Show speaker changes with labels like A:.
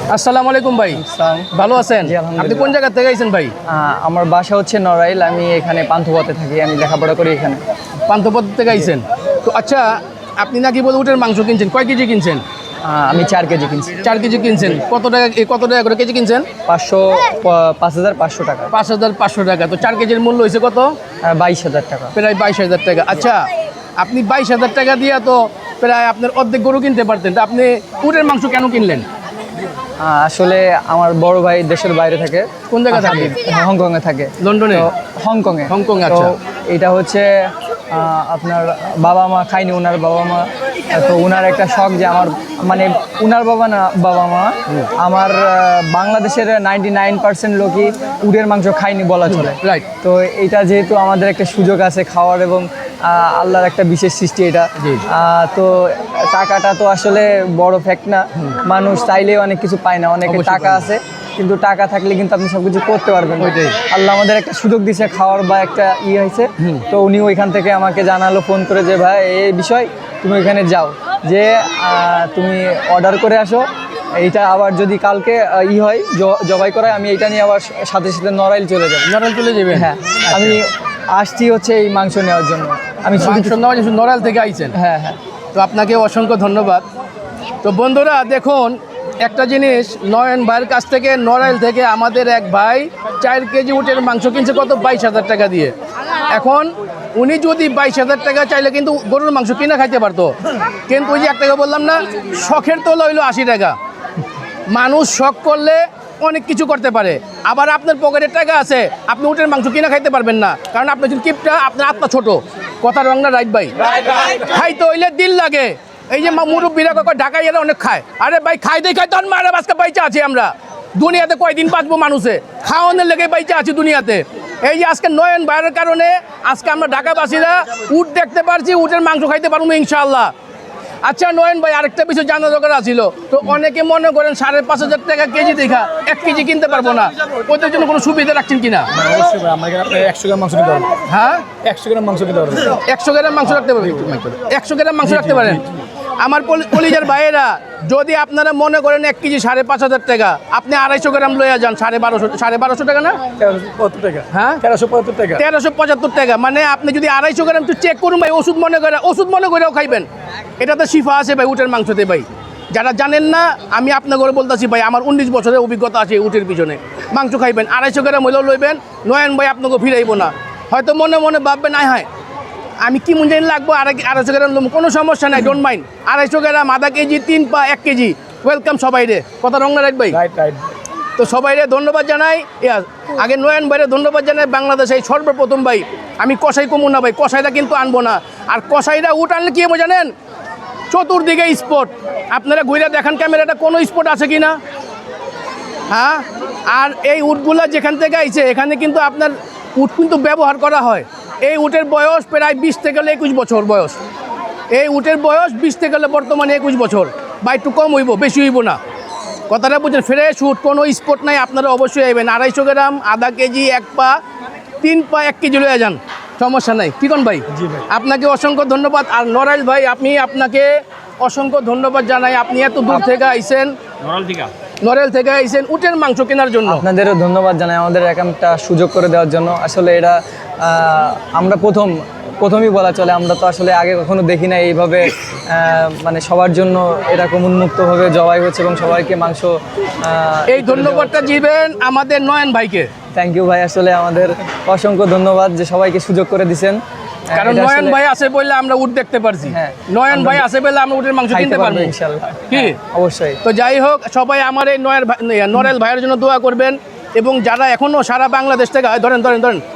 A: আসসালামু আলাইকুম ভাই। ভালো আছেন? আপনি কোন জায়গা থেকে আইছেন ভাই?
B: আমার বাসা হচ্ছে নড়াইল। আমি এখানে পান্থপথে থাকি, আমি লেখাপড়া করি এখানে।
A: পান্থপথ থেকে আইছেন তো? আচ্ছা, আপনি নাকি বলে উটের মাংস কিনছেন, কয় কেজি কিনছেন?
B: আমি 4 কেজি কিনছি।
A: 4 কেজি কিনছেন। কত টাকা করে কেজি কিনছেন?
B: 5,500 টাকা।
A: 5,500 টাকা। তো 4 কেজির মূল্য হয়েছে কত?
B: 22,000 টাকা।
A: প্রায় 22,000 টাকা। আচ্ছা, আপনি 22,000 টাকা দিয়ে তো প্রায় আপনার অর্ধেক গরু কিনতে পারতেন, তো আপনি উটের মাংস কেন কিনলেন?
B: আসলে আমার বড় ভাই দেশের বাইরে থাকে।
A: কোন জায়গা থাকে?
B: হংকংয়ে থাকে।
A: লন্ডনে?
B: হংকংয়ে।
A: আচ্ছা।
B: এটা হচ্ছে আপনার বাবা মা খায়নি, ওনার বাবা মা। তো ওনার একটা শখ যে আমার, মানে ওনার বাবা মা আমার বাংলাদেশের 99% লোকই উটের মাংস খায়নি বলা চলে।
A: রাইট।
B: তো এটা যেহেতু আমাদের একটা সুযোগ আছে খাওয়ার, এবং আল্লাহর একটা বিশেষ সৃষ্টি এটা। তো টাকাটা তো আসলে বড় ফ্যাক্ট না, মানুষ চাইলেও অনেক কিছু পায় না। অনেকে টাকা আছে, কিন্তু টাকা থাকলে কিন্তু আপনি সবকিছু করতে পারবেন। আল্লাহ আমাদের একটা সুযোগ দিয়েছে খাওয়ার, বা একটা হয়েছে। তো উনি ওইখান থেকে আমাকে জানালো ফোন করে যে ভাই এই বিষয়, তুমি ওইখানে যাও, যে তুমি অর্ডার করে আসো। এইটা আবার যদি কালকে হয় জবাই করায়, আমি এইটা নিয়ে আবার সাথে সাথে নড়াইল চলে যাবো।
A: নড়াইল চলে যাবে?
B: হ্যাঁ, আমি আসছি হচ্ছে এই মাংস নেওয়ার জন্য। আমি
A: নড়াইল থেকে আইছেন?
B: হ্যাঁ হ্যাঁ।
A: তো আপনাকে অসংখ্য ধন্যবাদ। তো বন্ধুরা দেখুন, একটা জিনিস, নয়ন ভাইয়ের কাছ থেকে নড়াইল থেকে আমাদের এক ভাই 4 কেজি উটের মাংস কিনছে কত? 22,000 টাকা দিয়ে। এখন উনি যদি 22,000 টাকা চাইলে কিন্তু গরুর মাংস কিনা খাইতে পারতো, কিন্তু ওই যে এক টাকা বললাম না, শখের তো লইলো 80 টাকা। মানুষ শখ করলে অনেক কিছু করতে পারে। আবার আপনার পকেটের টাকা আছে, আপনি উটের মাংস কিনা খাইতে পারবেন না, কারণ আপনার যদি কিপটা, আপনার আত্মা ছোট। কথা রং না? রাইট ভাই? খাইতে হইলে দিল লাগে। এই যে মুরব্বীরা ঢাকায় এরা অনেক খায়, আরে ভাই খাইতে তখন মারা বাসকে বাইচা আছি আমরা। দুনিয়াতে কয়দিন বাঁচবো মানুষে? খাওয়ানোর লেগে বাইচা আছি দুনিয়াতে। এই যে আজকে নয়ন ভাইয়ের কারণে আজকে আমরা ঢাকাবাসীরা উট দেখতে পারছি, উটের মাংস খাইতে পারবো ইনশাআল্লাহ। আচ্ছা নয়ন ভাই, আরেকটা বিষয় জানা দরকার ছিল। তো অনেকে মনে করেন 5,500 টাকা কেজি দেখা 1 কেজি কিনতে পারবো না, ওদের জন্য কোনো সুবিধা রাখছেন কিনা?
C: অবশ্যই ভাই, আমার এখানে 100 গ্রাম মাংস কিনতে পারবেন।
A: হ্যাঁ,
C: 100 গ্রাম মাংস কিনতে পারবেন।
A: 100 গ্রাম মাংস রাখতে পারবেন? 100 গ্রাম মাংস রাখতে পারেন? আমার কলিজার ভাইয়েরা, যদি আপনারা মনে করেন 1 কেজি 5,500 টাকা, আপনি 250 গ্রাম লইয়া যান 1,250 টাকা না?
C: 1375 টাকা।
A: হ্যাঁ,
C: 1375 টাকা।
A: 1375 টাকা। মানে আপনি যদি 250 গ্রাম একটু চেক করুন ভাই, ওষুধ মনে করেও খাইবেন। এটাতে শিফা আছে ভাই উটের মাংসতে ভাই। যারা জানেন না, আমি আপনাকে বলতেছি ভাই, আমার 19 বছরের অভিজ্ঞতা আছে উটের পিছনে। মাংস খাইবেন, 250 গ্রাম হইলেও লইবেন। নয়ন ভাই আপনাকে ফিরাইব না। হয়তো মনে মনে ভাববেন, হয় আমি কি মন জানি লাগবো 250 গ্রাম, কোনো সমস্যা নাই, ডোন্ট মাইন্ড। 250 গ্রাম, আধা কেজি, 3 পা, 1 কেজি, ওয়েলকাম সবাই রে। কথা রং না? রাইট ভাই?
C: রাইট।
A: তো সবাই রে ধন্যবাদ জানাই। আগে নয়ন ভাইরে ধন্যবাদ জানাই। বাংলাদেশে এই সর্বপ্রথম ভাই, আমি কষাই কমু না ভাই, কষাইটা কিন্তু আনবো না। আর কষাইরা উট আনলে কি হবে জানেন? চতুর্দিকে স্পট। আপনারা ঘুরে দেখান ক্যামেরাটা, কোনো স্পট আছে কি না? হ্যাঁ। আর এই উটগুলা যেখান থেকে আইছে, এখানে কিন্তু আপনার উট কিন্তু ব্যবহার করা হয়। এই উটের বয়স প্রায় 20 থেকে 21 বছর বয়স। এই উটের বয়স 20 থেকে বর্তমানে 21 বছর। বা একটু কম হইব, বেশি হইব না। কথাটা বুঝছেন? ফ্রেশ উট, কোনো স্পট নাই। আপনারা অবশ্যই আইবেন। 250 গ্রাম, আধা কেজি, 1 পা, 3 পা, 1 কেজি লইয়া যান, সমস্যা নাই। ঠিক ভাই? আপনাকে অসংখ্য ধন্যবাদ। আর নড়াইল ভাই, আপনাকে অসংখ্য ধন্যবাদ জানাই। আপনি এত দূর থেকে আইছেন, নড়াইল থেকে আইছেন উটের মাংস কেনার জন্য।
B: আপনাদেরও ধন্যবাদ জানাই আমাদের একটা সুযোগ করে দেওয়ার জন্য। আসলে এটা আমরা প্রথমেই বলা চলে, আমরা তো আসলে আগে কখনো দেখি না এইভাবে, মানে সবার জন্য এরকম উন্মুক্তভাবে জবাই হচ্ছে এবং সবাইকে মাংস।
A: এই ধন্যবাদটা দিবেন আমাদের নয়ন ভাইকে।
B: থ্যাংক ইউ ভাই, আসলে আমাদের অসংখ্য ধন্যবাদ যে সবাইকে সুযোগ করে দিচ্ছেন।
A: কারণ নয়ন ভাই আছে বললে আমরা উট দেখতে পারছি। নয়ন ভাই আছে বললে আমরা উটের মাংস কিনতে পারবো
B: ইনশাআল্লাহ।
A: কি?
B: অবশ্যই।
A: তো যাই হোক, সবাই আমার এই নড়াইল ভাইয়ের জন্য দোয়া করবেন। এবং যারা এখনো সারা বাংলাদেশ থেকে, ধরেন